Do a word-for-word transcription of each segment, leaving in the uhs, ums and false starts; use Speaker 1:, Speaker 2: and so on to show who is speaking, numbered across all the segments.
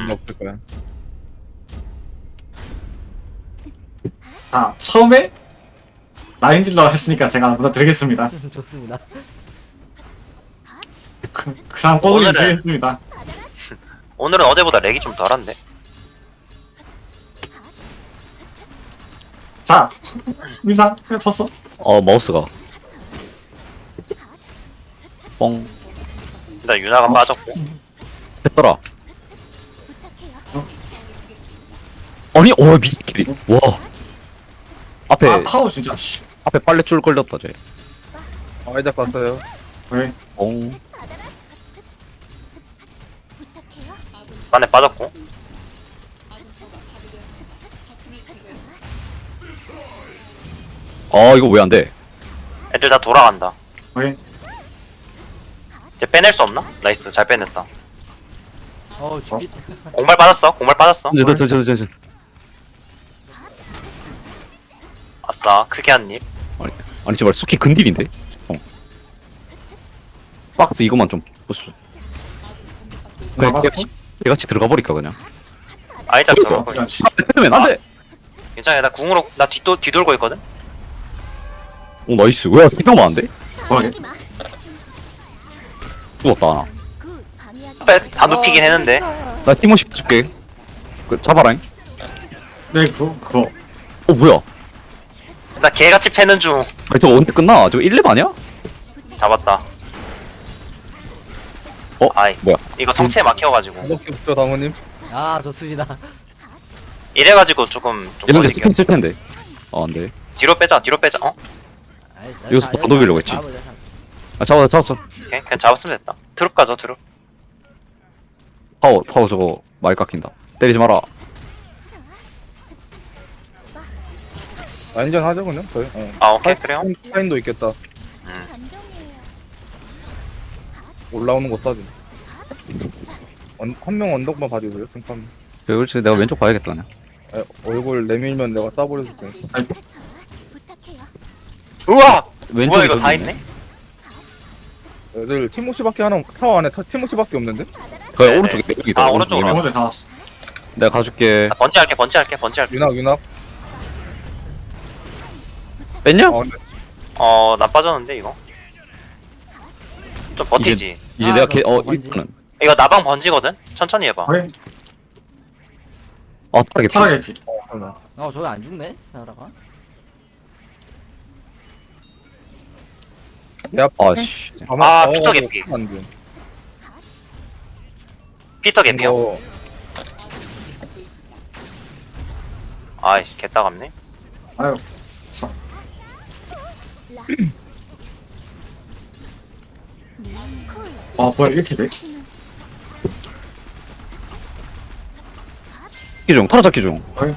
Speaker 1: 음.
Speaker 2: 없을 거야.
Speaker 3: 아, 처음에 라인 딜러 했으니까 제가 먼저 드리겠습니다.
Speaker 4: 좋습니다.
Speaker 3: 그, 그 다음 꼬돌이
Speaker 1: 오늘은-
Speaker 3: 드리겠습니다.
Speaker 1: 오늘은 어제보다 렉이 좀 덜한데.
Speaker 3: 자, 민상, 그냥 쳤어.
Speaker 5: 어 마우스가 뻥
Speaker 1: 일단 유나가 빠졌고.
Speaker 5: 했더라. 아니 어 미끼리 와 앞에
Speaker 3: 아, 파워 진짜, 씨.
Speaker 5: 앞에 빨래줄 걸렸다 쟤.
Speaker 2: 아이작 갔어요.
Speaker 3: 왜?
Speaker 5: 뻥.
Speaker 1: 안에 빠졌고.
Speaker 5: 아 이거 왜 안 돼?
Speaker 1: 애들 다 돌아간다.
Speaker 3: 왜?
Speaker 1: 이제 빼낼 수 없나? 나이스, 잘 빼냈다.
Speaker 4: 어 죽기.
Speaker 1: 공발 빠졌어, 공발 빠졌어.
Speaker 5: 저 저 저 저 저.
Speaker 1: 아싸, 크게 한 입.
Speaker 5: 아니 제발 수키 근딜인데? 어. 박스 이것만 좀 부수. 그냥
Speaker 3: 나갔어?
Speaker 5: 개같이, 개같이 들어가 버릴까 그냥.
Speaker 1: 아이작
Speaker 3: 그러니까,
Speaker 1: 저거.
Speaker 3: 그냥 씨.
Speaker 5: 패드맨 안돼.
Speaker 1: 괜찮아, 나 궁으로, 나 뒤도, 뒤돌고 있거든?
Speaker 5: 오 나이스. 왜 세명만 안 돼?
Speaker 3: 뭐하게?
Speaker 5: 죽었다 하나.
Speaker 1: 앞에 다 눕히긴 했는데.
Speaker 5: 나 티모시 줄게. 그 잡아라잉.
Speaker 3: 네, 그거, 그거.
Speaker 5: 어 뭐야?
Speaker 1: 나 개같이 패는 중.
Speaker 5: 아니 저거 언제 끝나? 저거 일 렙 아니야?
Speaker 1: 잡았다.
Speaker 5: 어?
Speaker 1: 아이,
Speaker 5: 뭐야?
Speaker 1: 이거 성체에 막혀가지고.
Speaker 2: 무섭게 붙죠, 당우님.
Speaker 4: 아 좋습니다.
Speaker 1: 이래가지고 조금, 좀
Speaker 5: 이런데
Speaker 1: 걸리게.
Speaker 5: 스킨 쓸 텐데. 어 안돼.
Speaker 1: 뒤로 빼자, 뒤로 빼자. 어?
Speaker 4: 아이, 자,
Speaker 5: 여기서
Speaker 4: 자,
Speaker 5: 더 녹이려고 했지.
Speaker 4: 잡아보자, 잡아보자.
Speaker 5: 아 잡았어 잡았어.
Speaker 1: 오케이, 그냥 잡았으면 됐다. 트룹 가죠, 트룹.
Speaker 5: 타워 타워 저거 많이 깎인다. 때리지 마라.
Speaker 2: 라인전 하죠, 그냥? 저희? 어.
Speaker 1: 아, 오케이, 그래요?
Speaker 2: 타인도 있겠다.
Speaker 1: 음.
Speaker 2: 올라오는 거 싸지. 한 명 언덕만 봐주세요, 등판.
Speaker 5: 그렇지 내가 왼쪽 봐야겠다 그냥.
Speaker 2: 아, 얼굴 내밀면 내가 싸버렸을 때.
Speaker 1: 우와!
Speaker 5: 왼쪽에
Speaker 1: 뭐야, 이거
Speaker 5: 저기
Speaker 1: 다
Speaker 5: 있네.
Speaker 1: 있네?
Speaker 2: 애들 티모시밖에 하나, 타워 안에 타, 티모시밖에 없는데?
Speaker 5: 그
Speaker 1: 네네.
Speaker 5: 오른쪽에 여기다.
Speaker 1: 아,
Speaker 5: 오른쪽에.
Speaker 1: 오른쪽으로.
Speaker 3: 어제 다 왔어.
Speaker 5: 내가 가줄게.
Speaker 1: 나 번지 할게, 번지 할게, 번지 할게.
Speaker 2: 윤학, 윤학.
Speaker 5: 뺐냐?
Speaker 2: 어, 근데
Speaker 1: 어, 나 빠졌는데, 이거? 좀 버티지.
Speaker 5: 이제
Speaker 4: 아,
Speaker 5: 내가
Speaker 4: 너
Speaker 5: 걔, 어
Speaker 4: 뭔지?
Speaker 5: 일단은
Speaker 3: 네.
Speaker 1: 이거 나방 번지거든? 천천히 해봐.
Speaker 3: 왜?
Speaker 5: 아 타겟.
Speaker 3: 타락의 피.
Speaker 2: 어, 하나.
Speaker 4: 어 저기 안 죽네. 나라가.
Speaker 2: 내 앞.
Speaker 5: 아씨.
Speaker 1: 아, 피터 개피.
Speaker 2: 안 돼.
Speaker 1: 피터 개피요.
Speaker 2: 이거
Speaker 1: 아이씨, 개따갑네.
Speaker 3: 아유. 아, 뭐야, 이렇게 돼?
Speaker 5: 잡기 중. 타라 잡기 중.
Speaker 3: 어이.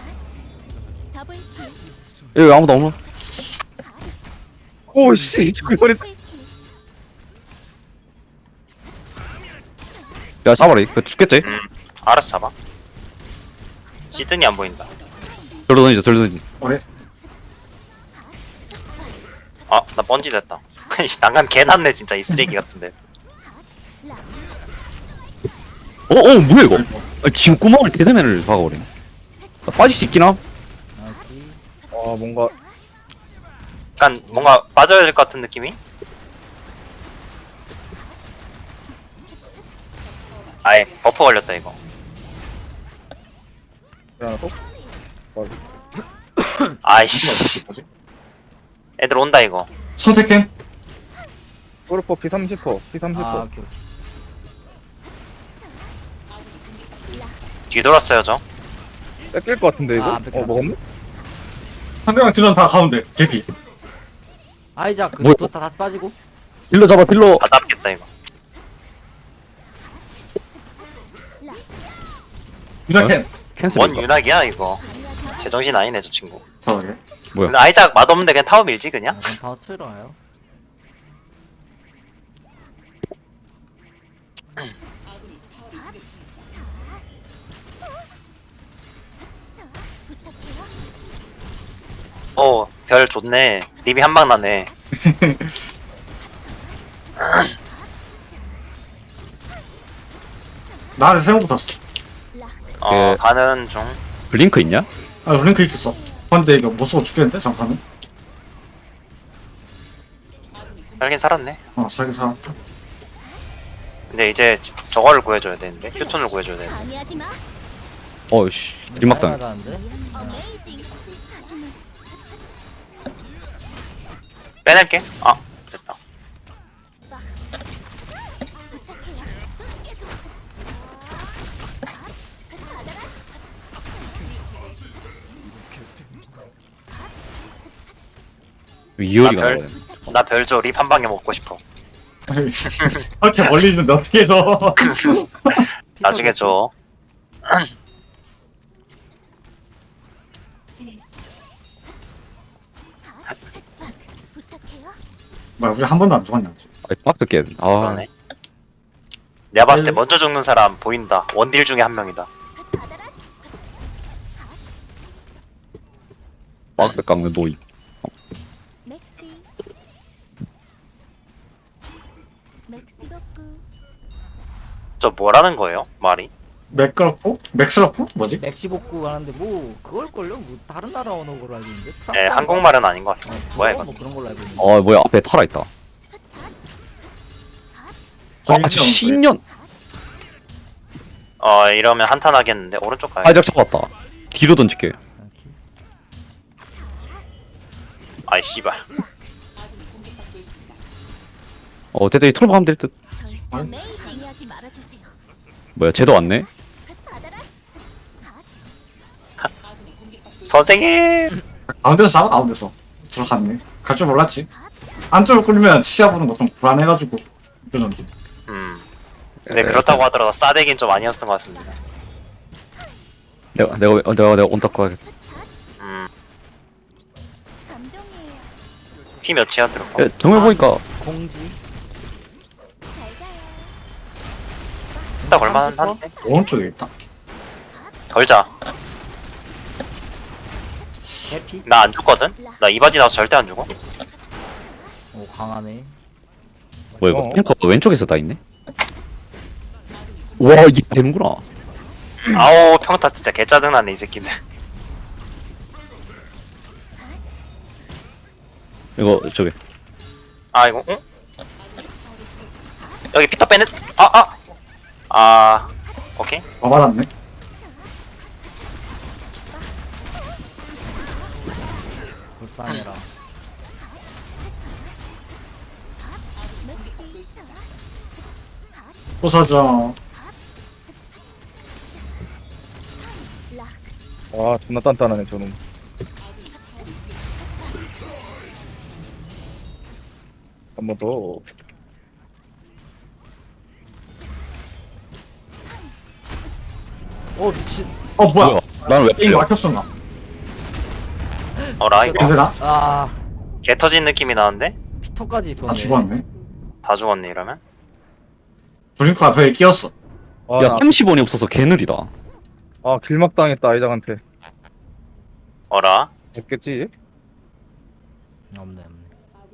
Speaker 5: 여기 아무도 없는.
Speaker 2: 오, 씨, 죽을 뻔했다.
Speaker 5: 야 잡아라. 그 죽겠지?
Speaker 1: 음, 알아서 잡아. 시드니 안 보인다.
Speaker 5: 절로 던지자. 절로 던지.
Speaker 3: 그래?
Speaker 1: 아, 나 번지 됐다. 난간 개 났네, 진짜, 이 쓰레기 같은데.
Speaker 5: 어, 어, 뭐야 이거? 아, 지금 구멍을 대대면을 박아버리네. 나 빠질 수 있긴 함.
Speaker 4: 아, 오케이.
Speaker 2: 아, 뭔가.
Speaker 1: 약간, 뭔가 빠져야 될 것 같은 느낌이? 아예, 버퍼 걸렸다, 이거.
Speaker 2: 하나 또?
Speaker 1: 아이씨. 애들 온다, 이거.
Speaker 3: 선택해.
Speaker 2: 골퍼 피 삼십 퍼, 피 삼십
Speaker 4: 아
Speaker 2: 퍼.
Speaker 4: 오케이.
Speaker 1: 뒤돌았어요, 저.
Speaker 2: 뺏길 것 같은데, 이거?
Speaker 4: 아, 안 뺏겨.
Speaker 2: 어, 먹었네?
Speaker 3: 상대방 딜러는 다 가운데. 개피.
Speaker 4: 아이작
Speaker 5: 뭐야?
Speaker 4: 그것도 다, 다 빠지고.
Speaker 5: 딜러 잡아 딜러.
Speaker 1: 다 잡겠다, 이거.
Speaker 3: 유작템.
Speaker 5: 캔슬.
Speaker 1: 뭔 유낙이야, 이거. 제정신 아니네, 저 친구.
Speaker 3: 저게.
Speaker 5: 뭐야?
Speaker 1: 근데 아이작 맛없는데 그냥 타워 밀지,
Speaker 4: 아,
Speaker 1: 그냥?
Speaker 4: 그럼 다 틀어요.
Speaker 1: 어, 별 좋네. 립이 한 방 나네.
Speaker 3: 나한테 세번 붙었어.
Speaker 1: 어
Speaker 5: 예.
Speaker 1: 가는 중.
Speaker 5: 블링크 있냐?
Speaker 3: 아 링크 있겠어. 근데 이거 못 쓰고 죽겠는데 잠깐만.
Speaker 1: 살긴 살았네.
Speaker 3: 어 살기 살았다.
Speaker 1: 근데 이제 지- 저거를 구해줘야 되는데 휴톤을 구해줘야 되는데.
Speaker 6: 방해하지 마.
Speaker 5: 어이씨 뒷막당.
Speaker 4: 나가는데?
Speaker 6: 어메이징. 하지만
Speaker 1: 빼낼게. 아 됐다.
Speaker 5: 이효리가
Speaker 1: 아, 별-
Speaker 5: 나와요.
Speaker 1: 나 별조 립 한 방에 먹고 싶어.
Speaker 3: 이렇게 멀리 있는데 어떻게 해서?
Speaker 1: 나중에 줘.
Speaker 6: 부탁해요.
Speaker 3: 뭐야 우리 한 번도 안 죽었냐?
Speaker 5: 아이 박스 깨. 아
Speaker 1: 그러네. 내가 봤을 때 먼저 죽는 사람 보인다. 원딜 중에 한 명이다.
Speaker 6: 받아라.
Speaker 5: 박스 깎는 노이.
Speaker 6: 맥시. 맥시 덕구.
Speaker 1: 저 뭐라는 거예요? 말이?
Speaker 3: 맥그럽고? 맥스럽고? 뭐지?
Speaker 4: 맥시 복구 하는데 뭐 그걸걸요? 뭐 다른 나라 언어로 알고 있는데?
Speaker 1: 예, 한국말은 아닌 것 같아.
Speaker 4: 어,
Speaker 1: 뭐야
Speaker 4: 그거
Speaker 1: 이거?
Speaker 4: 뭐 그런 걸로 알고 있는데.
Speaker 5: 어 뭐야 앞에 타라 있다. 아 신년.
Speaker 1: 어 이러면 한탄 하겠는데 오른쪽 가야.
Speaker 5: 아이작 잡았다. 뒤로 던질게.
Speaker 1: 아이 씨발.
Speaker 5: 어 대대이 털고 가면 될 듯.
Speaker 6: 절 어메이징 하지 말아주세요.
Speaker 5: 뭐야 쟤도 왔네.
Speaker 6: 받아라.
Speaker 1: 선생님.
Speaker 3: 가운데서 잡아 가운데서 들어갔네. 갈 줄 몰랐지. 안쪽으로 끌면 시야 보는 거 좀 불안해가지고 그러는데.
Speaker 1: 음. 근데 그렇다고 하더라도 싸대긴 좀 아니었던 것 같습니다.
Speaker 5: 내가 내가 어, 내가 내가 온다고 하겠다.
Speaker 1: 음.
Speaker 6: 감동이에요.
Speaker 1: 피 몇이야 들어가?
Speaker 5: 야, 정말 보니까
Speaker 4: 공지.
Speaker 6: 잘 가요.
Speaker 1: 딱 얼마나 한데?
Speaker 3: 오른쪽에 있다.
Speaker 1: 덜자.
Speaker 4: 해피?
Speaker 1: 나 안 죽거든? 나 이바지 나와서 절대 안 죽어.
Speaker 4: 오 강하네.
Speaker 5: 뭐야 이거
Speaker 2: 어.
Speaker 5: 탱커 왼쪽에서 다 있네. 와 이게 되는구나.
Speaker 1: 아우 평타 진짜 개 짜증나네 이 새끼들.
Speaker 5: 이거 저기
Speaker 1: 아 이거 응? 여기 피터 빼는 아아 아, 아 오케이.
Speaker 3: 더 받았네.
Speaker 4: 불쌍해라.
Speaker 3: 부서져.
Speaker 2: 와 존나 단단하네 저놈. 한 번 더.
Speaker 4: 어 미친.
Speaker 3: 어 뭐야?
Speaker 5: 나는 왜
Speaker 3: 게임
Speaker 5: 끌려?
Speaker 3: 막혔었나?
Speaker 1: 어라 이거
Speaker 3: 근데 나?
Speaker 4: 아
Speaker 1: 개 터진 느낌이 나는데
Speaker 4: 피터까지 있었네.
Speaker 3: 나 죽었네.
Speaker 1: 다 죽었네 이러면.
Speaker 3: 브링크 앞에 끼었어.
Speaker 2: 아,
Speaker 5: 야
Speaker 2: 나,
Speaker 5: 삼십 원이 없어서 개느리다.
Speaker 2: 아 길막 당했다 아이작한테.
Speaker 1: 어라
Speaker 2: 없겠지?
Speaker 4: 없네 없네.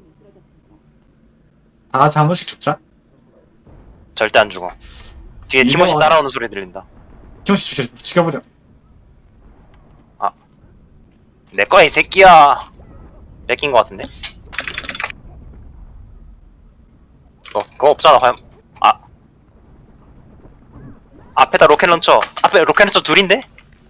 Speaker 3: 다 같이 한 번씩 죽자.
Speaker 1: 절대 안 죽어. 뒤에
Speaker 3: 이거
Speaker 1: 티모시
Speaker 3: 와.
Speaker 1: 따라오는 소리 들린다.
Speaker 3: 팀씩 죽여, 죽여보자.
Speaker 1: 내 거야 이 새끼야. 뺏긴 것 같은데? 어 그거 없잖아 과연. 아 앞에다 로켓 런처. 앞에 로켓 런처 둘인데?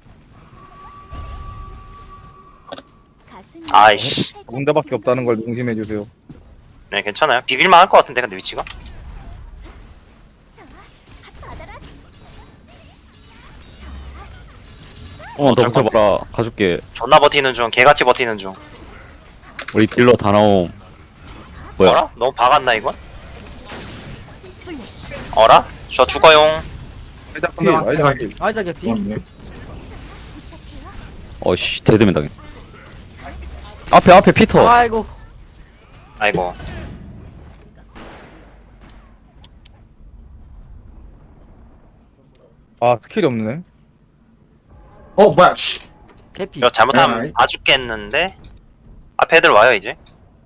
Speaker 6: 가슴이
Speaker 1: 아이씨.
Speaker 2: 군대밖에 없다는 걸 명심해 주세요.
Speaker 1: 네 괜찮아요. 비빌만 할 것 같은데 근데 위치가.
Speaker 6: 받아라.
Speaker 5: 어,
Speaker 1: 어쩔
Speaker 5: 더 붙어봐라. 가줄게.
Speaker 1: 존나 버티는 중. 개같이 버티는 중.
Speaker 5: 우리 딜러 다 나옴. 뭐야?
Speaker 1: 어라? 너무 박았나 이건? 어라? 저 죽어용.
Speaker 2: 아이작 필, 아이작 필.
Speaker 4: 아이작 해피?
Speaker 3: 죽었네.
Speaker 5: 어씨, 대드면 당해. 앞에, 앞에 피터.
Speaker 4: 아이고.
Speaker 1: 아이고.
Speaker 2: 아 스킬이 없네.
Speaker 3: 어 뭐야? 씨.
Speaker 4: 해피.
Speaker 1: 이거 잘못하면
Speaker 3: 에이.
Speaker 1: 다 죽겠는데? 앞에 애들 와요 이제.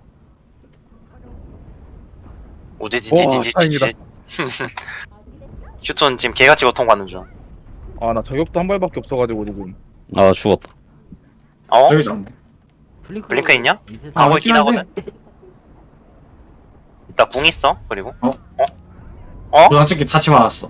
Speaker 2: 오,
Speaker 1: 우지지지지지지.
Speaker 2: 다행이다.
Speaker 1: 휴톤 지금 개같이 고통 받는 중.
Speaker 2: 아 나 저격도 한 발밖에 없어가지고 지금.
Speaker 5: 아 죽었다.
Speaker 1: 어?
Speaker 3: 저기 좀.
Speaker 4: 블링크,
Speaker 1: 블링크 있냐?
Speaker 4: 밑에서
Speaker 1: 가고
Speaker 3: 아,
Speaker 1: 있긴
Speaker 3: 있긴 한데.
Speaker 1: 하거든. 나 궁 있어. 그리고
Speaker 3: 어?
Speaker 1: 어? 어?
Speaker 3: 도장 찍기 다치 맞았어.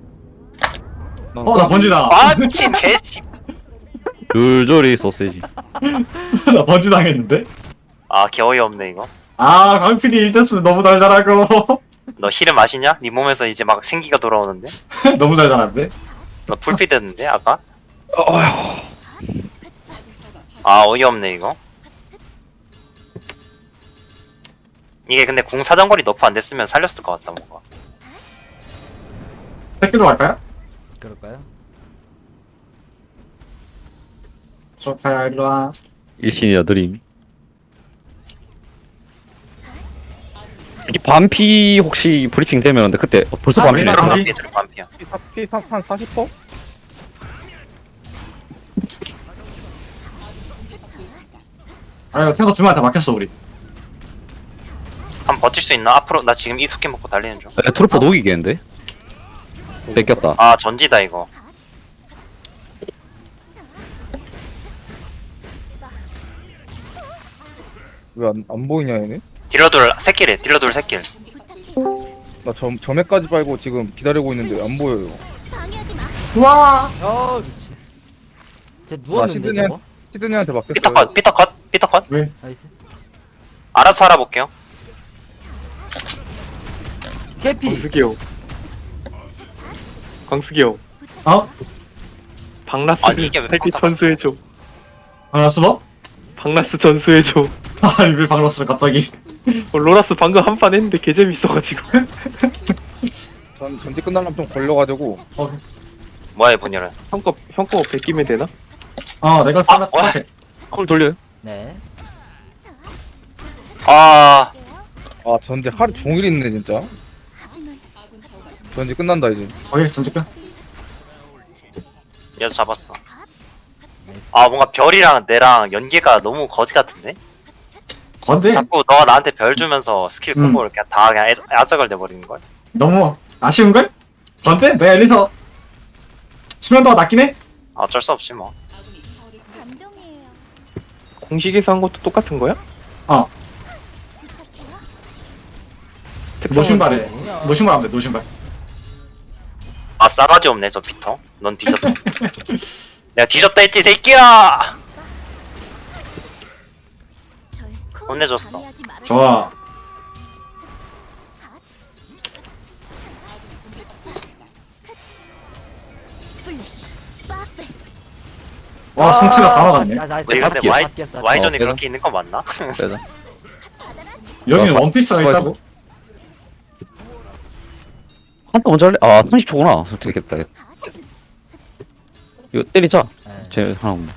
Speaker 2: 난
Speaker 3: 어, 나 번지다.
Speaker 1: 아 미친 개씨.
Speaker 5: 줄줄이 소세지.
Speaker 3: 나 번지 당했는데?
Speaker 1: 아 개어이 없네 이거.
Speaker 3: 아, 강필이 일 대수 너무 달달하고.
Speaker 1: 너 힐을 마시냐? 네 몸에서 이제 막 생기가 돌아오는데?
Speaker 3: 너무 달달한데?
Speaker 1: 너 풀피 됐는데 아까?
Speaker 5: 어휴.
Speaker 1: 아 어이없네 이거. 이게 근데 궁 사정거리 너프 안 됐으면 살렸을 것 같다 뭔가.
Speaker 3: 새끼로 갈까요?
Speaker 4: 그럴까요?
Speaker 3: 소파야, 일로 와.
Speaker 5: 일신이 여드림. 이 반피 혹시 브리핑 되면 근데 그때 어, 벌써
Speaker 4: 아,
Speaker 5: 반피네.
Speaker 3: 반피?
Speaker 1: 반피 들 반피야.
Speaker 2: 피한 사십 퍼센트?
Speaker 3: 아, 이거 탱커 두 명한테 막혔어, 우리.
Speaker 1: 한 번 버틸 수 있나? 앞으로 나 지금 이 속해 먹고 달리는 중.
Speaker 5: 에, 트루퍼 녹이겠는데? 뺏겼다.
Speaker 1: 아 전지다 이거.
Speaker 2: 왜 안 안 보이냐 얘네?
Speaker 1: 딜러돌 새끼래. 딜러돌 새끼를.
Speaker 2: 나 점, 점에까지 빨고 지금 기다리고 있는데 안 보여요.
Speaker 6: 방해하지 마.
Speaker 3: 우와!
Speaker 4: 아 미친. 쟤 누웠는데
Speaker 2: 시드니한-
Speaker 4: 저거?
Speaker 2: 시드니한테
Speaker 1: 피터
Speaker 2: 맡겼어요.
Speaker 1: 컷. 피터 컷. 피터 컷.
Speaker 3: 왜?
Speaker 4: 나이스.
Speaker 1: 알아서 알아볼게요.
Speaker 4: 캐피.
Speaker 7: 광숙이 형. 광숙이 형.
Speaker 3: 어?
Speaker 7: 박라스
Speaker 1: 아니, 이게 왜
Speaker 7: 살피
Speaker 1: 빡빡-
Speaker 7: 전수해줘.
Speaker 3: 박라스 뭐?
Speaker 7: 박라스 전수해줘.
Speaker 3: 아니, 왜 박라스를 갑자기.
Speaker 7: 어, 로라스 방금 한 판 했는데 개 재밌어가지고.
Speaker 2: 전 전지 끝나려면 좀 걸려가지고.
Speaker 3: 어,
Speaker 1: 뭐야 이 분열은.
Speaker 7: 형거 형거 베끼면 되나?
Speaker 3: 어, 내가
Speaker 1: 아,
Speaker 3: 하나
Speaker 1: 뭐야?
Speaker 5: 콜 돌려요.
Speaker 4: 네.
Speaker 1: 아
Speaker 2: 아 전지 하루 종일 있네 진짜.
Speaker 6: 하지만
Speaker 2: 전지 끝난다 이제.
Speaker 3: 거기 전직변?
Speaker 1: 얘도 잡았어. 아 뭔가 별이랑 내랑 연계가 너무 거지 같은데?
Speaker 3: 건데?
Speaker 1: 자꾸 너가 나한테 별 주면서 스킬
Speaker 3: 음.
Speaker 1: 콤보를 그냥 다 그냥 애- 야적을 내버리는 걸.
Speaker 3: 너무 아쉬운걸? 건데? 내가 엘리서 수면도가 낮긴 해?
Speaker 1: 아, 어쩔 수 없지 뭐.
Speaker 6: 감동이에요.
Speaker 7: 공식에서 한 것도 똑같은 거야?
Speaker 3: 어,
Speaker 7: 특성은
Speaker 3: 노신발에.
Speaker 7: 다르구나.
Speaker 3: 노신발 하면 돼, 노신발.
Speaker 1: 아 싸가지 없네 저 피터. 넌 뒤졌다. 내가 뒤졌다 했지 새끼야.
Speaker 6: 절
Speaker 1: 혼내줬어.
Speaker 6: 방해하지 말아주세요.
Speaker 3: 좋아.
Speaker 6: 플래시. 빠페.
Speaker 3: 와, 성취가 다 막았네.
Speaker 4: 아, 나, 나,
Speaker 1: 우리 근데
Speaker 5: 바뀌었어.
Speaker 1: 와이
Speaker 4: 바뀌었어.
Speaker 1: 와이전에
Speaker 5: 어,
Speaker 1: 그렇게 있는 거 맞나?
Speaker 5: 빼자.
Speaker 3: 여기는
Speaker 5: 어,
Speaker 3: 원피스가
Speaker 5: 어,
Speaker 3: 있다고?
Speaker 5: 한타 먼저 할래? 아 삼십 초구나. 되겠다. 이거 때리자.
Speaker 4: 네.
Speaker 5: 쟤 하나 없네.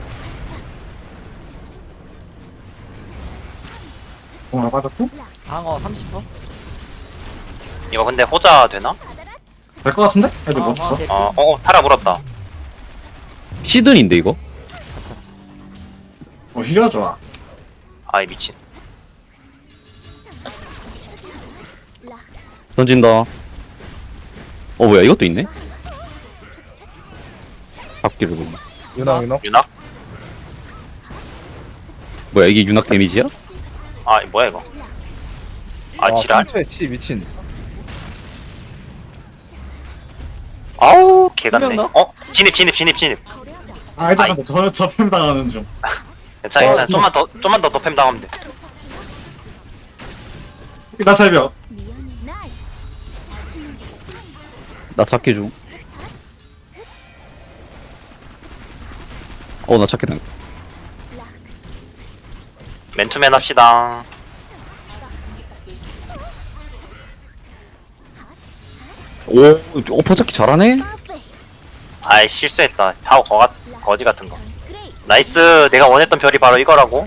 Speaker 3: 공을 빠졌고?
Speaker 4: 방어 삼십 퍼센트?
Speaker 1: 이거 근데 호자 되나?
Speaker 3: 될 것 같은데? 애들
Speaker 4: 어,
Speaker 3: 못 쳤어?
Speaker 4: 캐피.
Speaker 1: 어, 어, 어 타라 물었다.
Speaker 5: 시든인데 이거?
Speaker 3: 어, 힐이가 좋아.
Speaker 1: 아이 미친.
Speaker 5: 던진다. 어 뭐야 이것도 있네? 잡기를 보네.
Speaker 2: 유나 유나.
Speaker 1: 유낙?
Speaker 5: 뭐야 이게 윤학 데미지야?
Speaker 1: 아 이 뭐야 이거? 아 지랄.
Speaker 2: 상처에 치 미친.
Speaker 1: 아우 개같네.
Speaker 4: 분명
Speaker 1: 어 진입 진입 진입 진입.
Speaker 3: 아, 일단 저, 저 팸 당하는 중.
Speaker 1: 괜찮아
Speaker 3: 어,
Speaker 1: 괜찮아. 좀만 더 좀만 더 너팸 당하면 돼.
Speaker 3: 일단 새벽.
Speaker 6: 미안해. 나이스. 자신은
Speaker 5: 나 잡기 중. 어 나 잡기 당.
Speaker 1: 맨투맨 합시다.
Speaker 5: 오 오퍼 잡기 잘하네.
Speaker 6: 빠페.
Speaker 1: 아이 실수했다. 타워 거 거지 같은 거.
Speaker 6: 그레이.
Speaker 1: 나이스. 내가 원했던 별이 바로 이거라고.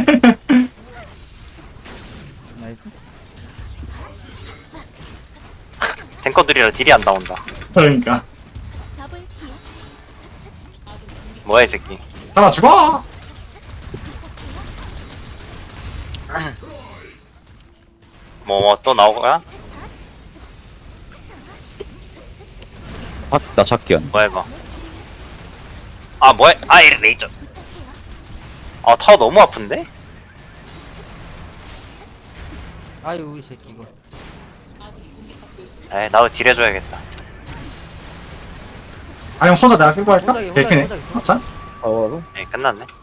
Speaker 4: 나이스.
Speaker 1: 탱커들이라 딜이 안 나온다.
Speaker 3: 그러니까.
Speaker 6: 더블 킬.
Speaker 1: 뭐야 이 새끼.
Speaker 3: 잡아 죽어!
Speaker 1: 뭐 또 나오고야?
Speaker 5: 아, 나 잡기야.
Speaker 1: 뭐야 이거? 아 뭐야? 아 이 레이저. 아 타워 너무 아픈데?
Speaker 4: 아유 이 새끼 이거.
Speaker 1: 에이 나도 딜 해줘야겠다.
Speaker 3: 아니면 혼자 내가 끌고 할까?
Speaker 4: 혼자 해, 혼자 해,
Speaker 3: 벨키네.
Speaker 4: 혼자 해.
Speaker 3: 맞자?
Speaker 2: 아, 와서.
Speaker 1: 에이 끝났네.